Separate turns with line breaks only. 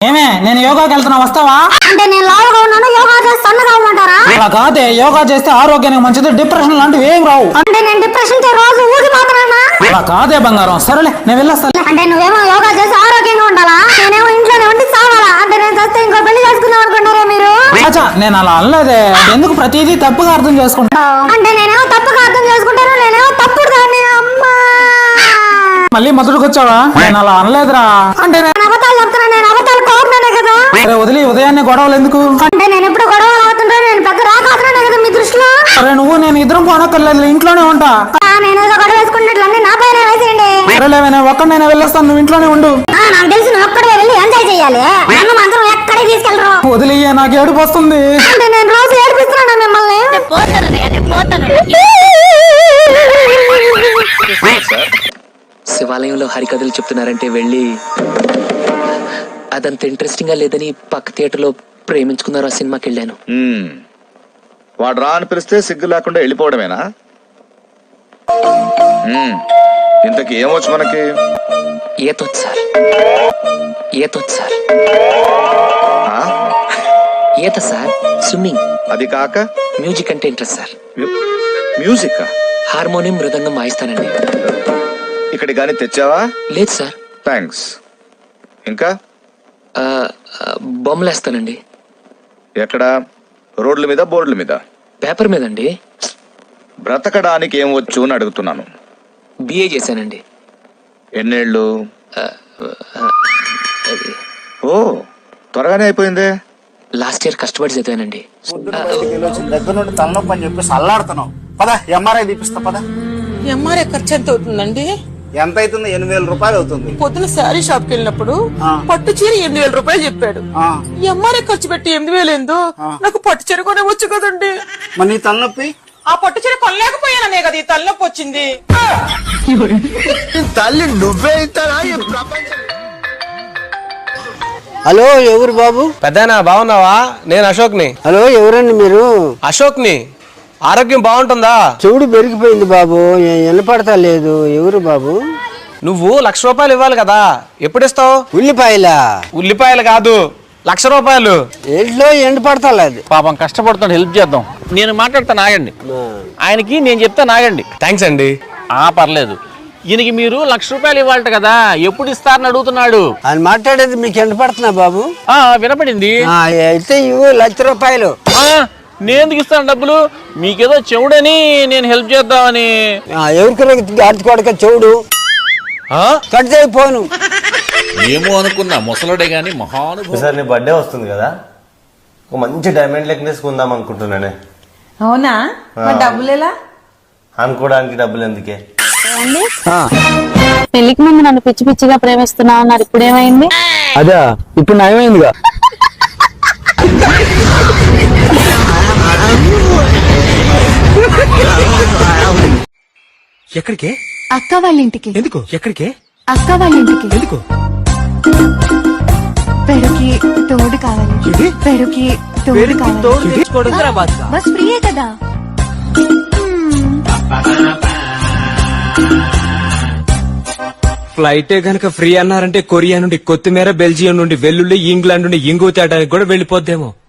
ఏమే నేను యోగాకి వెళ్తున్నా, వస్తావా?
అంటే నేను లావుగా ఉన్నాను, యోగా చేస్తే సన్నగా ఉంటారా?
అలా కాదే, యోగా చేస్తే ఆరోగ్యానికి మంచిది, డిప్రెషన్ లాంటివి ఏం రావు.
అంటే నేను డిప్రెషన్ తో రోజు ఊగిపోతున్నానా?
అలా కాదే బంగారం, సరేలే నేను వెళ్ళొస్తాను.
అంటే నువ్వేమో యోగా చేసి ఆరోగ్యంగా ఉండాలా, నేనేమో ఇంట్లోనే ఉండి చావాలా? అంటే నేను చేస్తే ఇంకో పెళ్లి చేసుకుందాం అనుకుంటారా మీరు?
అచ్చా, నేను అలా అనలేదే, ఎందుకు ప్రతిదీ తప్పుగా అర్థం చేసుకుంటా?
అంటే నేనేమో తప్పుగా అర్థం చేసుకుంటాను, నేనేమో తప్పుడు దాన్ని. అమ్మా,
మళ్ళీ మొదటికి వచ్చావా? నేను అలా అనలేదురా. అంటే
నేను అబద్ధాలు చెప్తున్నా, నేను అబద్ధాలు కోరుతున్నానే కదా.
సరే వదిలి, ఉదయాన్నే గొడవలు ఎందుకు?
అంటే నేను ఎప్పుడు గొడవలు అవుతుంటాను, నేను పెద్ద రాకాతున్నానే కదా మీ దృష్టిలో.
సరే నువ్వు నేను ఇద్దరం పోనక్కర్లేదు, ఇంట్లోనే ఉంటా.
నేను ఏదో గొడవ వేసుకున్నట్లన్నీ నా పైన వేసేయండి.
సరేలేవే, నేను ఒక్కడినైనా వెళ్ళొస్తాను, నువ్వు ఇంట్లోనే ఉండు.
నాకు తెలిసి నువ్వు ఒక్కడే వెళ్ళి ఎంజాయ్ చేయాలి, నన్ను మాత్రం ఎక్కడికి తీసుకెళ్ళరు.
వదిలి, నాకు ఏడుపు వస్తుంది.
అంటే నేను రోజు ఏడిపిస్తున్నాను మిమ్మల్ని.
శివాలయంలో హరికథలు చెప్తున్నారంటే వెళ్ళి అదంత ఇంట్రెస్టింగ్ గా లేదని పక్క థియేటర్ లో ప్రేమించుకున్నారు ఆ సినిమాకి వెళ్ళాను.
వాడు రా అని పిలిస్తే సిగ్గు లేకుండా వెళ్ళిపోవడమేనా? ఇంతకి ఏమొచ్చు మనకి?
ఈతొచ్చు సార్, ఈతొచ్చు సార్. ఈత సార్, స్విమ్మింగ్.
అది కాక
మ్యూజిక్ అంటే ఇంట్రెస్ట్ సార్.
మ్యూజిక్?
హార్మోనియం, మృదంగం వాయిస్తానండి.
ఇక్కడికి గానీ తెచ్చావా?
లేదు సార్.
థ్యాంక్స్. ఇంకా
బొమ్మలేస్తానండి.
ఎక్కడ? రోడ్ల మీద, బోర్డుల మీద?
పేపర్ మీదండి.
బ్రతకడానికి ఏం వచ్చు అని అడుగుతున్నాను.
బిఏ చేశానండి.
ఎన్నేళ్ళు? ఓ, త్వరగానే అయిపోయిందే.
లాస్ట్ ఇయర్ కష్టపడి చదివానండి.
దగ్గర నుండి తలనొప్పి అని చెప్పేసి అల్లాడుతున్నావు. పద, ఎంఆర్ఐ తీపిస్తా పద.
ఎంఆర్ఐ ఖర్చు ఎంత అవుతుందండి?
ఎంత అవుతుంది? 8,000 రూపాయలు అవుతుంది.
పొద్దున శారీ షాప్ కి వెళ్ళినప్పుడు పట్టు చీర 8,000 రూపాయలు చెప్పాడు. ఎంఆర్ఐ ఖర్చు పెట్టి 8,000 ఏందో, నాకు పట్టు చీర కొనే వచ్చు కదండి.
మరి నీ తలనొప్పి?
ఆ పట్టు చీర కొనలేకపోయాననే కదా ఈ తలనొప్పి వచ్చింది.
తల్లి నువ్వే ఇస్తారా?
హలో, ఎవరు బాబు?
పెద్దనా బాగున్నావా? నేను అశోక్ని.
హలో, ఎవరండి మీరు?
అశోక్ని. ఆరోగ్యం బాగుంటుందా?
చెవుడు పెరిగిపోయింది బాబు, వినపడతా లేదు. ఎవరు బాబు?
నువ్వు 1,00,000 రూపాయలు ఇవ్వాలి కదా, ఎప్పుడు ఇస్తావు?
ఉల్లిపాయలా?
ఉల్లిపాయలు కాదు, 1,00,000 రూపాయలు.
ఏంట్లో ఎండపడతా లేదు.
పాపం కష్టపడుతాడు, హెల్ప్ చేద్దాం. నేను మాట్లాడతాను, ఆగండి. ఆయనకి నేను చెప్తాను, ఆగండి.
థ్యాంక్స్ అండి.
పర్లేదు. ఈయనకి మీరు 1,00,000 రూపాయలు ఇవ్వాలట కదా, ఎప్పుడు ఇస్తారని అడుగుతున్నాడు.
ఆయన మాట్లాడేది మీకు ఎండపడుతున్నా బాబు?
వినపడింది.
అయితే ఇవ్వు 1,00,000 రూపాయలు.
నేను ఎందుకు ఇస్తాను డబ్బులు? మీకేదో చెవుడని నేను హెల్ప్ చేద్దామని.
ఎవరికి ఆడుకోడక చెవుడు కట్ చేయిపోను.
ఏమో అనుకున్నా, ముసలుడే గాని మహానుభావుడు.
సార్, నీ బర్త్డే వస్తుంది కదా, ఒక మంచి డైమండ్ నెక్లెస్ కొందాం అనుకుంటున్నానే.
అవునా? డబ్బులు ఎలా?
అనుకోవడానికి డబ్బులు ఎందుకే?
పెళ్లికి ముందు నన్ను పిచ్చి పిచ్చిగా ప్రేమిస్తున్నావు అన్నారు, ఇప్పుడు ఏమైంది?
అదా, ఇప్పుడు నయమైందిగా.
ఎక్కడికే?
అక్క వాళ్ళ ఇంటికి.
ఎందుకు? ఎక్కడికే?
అక్క వాళ్ళ ఇంటికి.
ఎందుకు?
పెరుకి తోడు కావాలి. పెరుకి తోడు కావాలి. బస్ ఫ్రీయే కదా.
ఫ్లైటే గనక ఫ్రీ అన్నారంటే కొరియా నుండి కొత్తిమీర, బెల్జియం నుండి వెల్లుల్లి, ఇంగ్లాండ్ నుండి ఇంగు తేడానికి కూడా వెళ్ళిపోద్దేమో.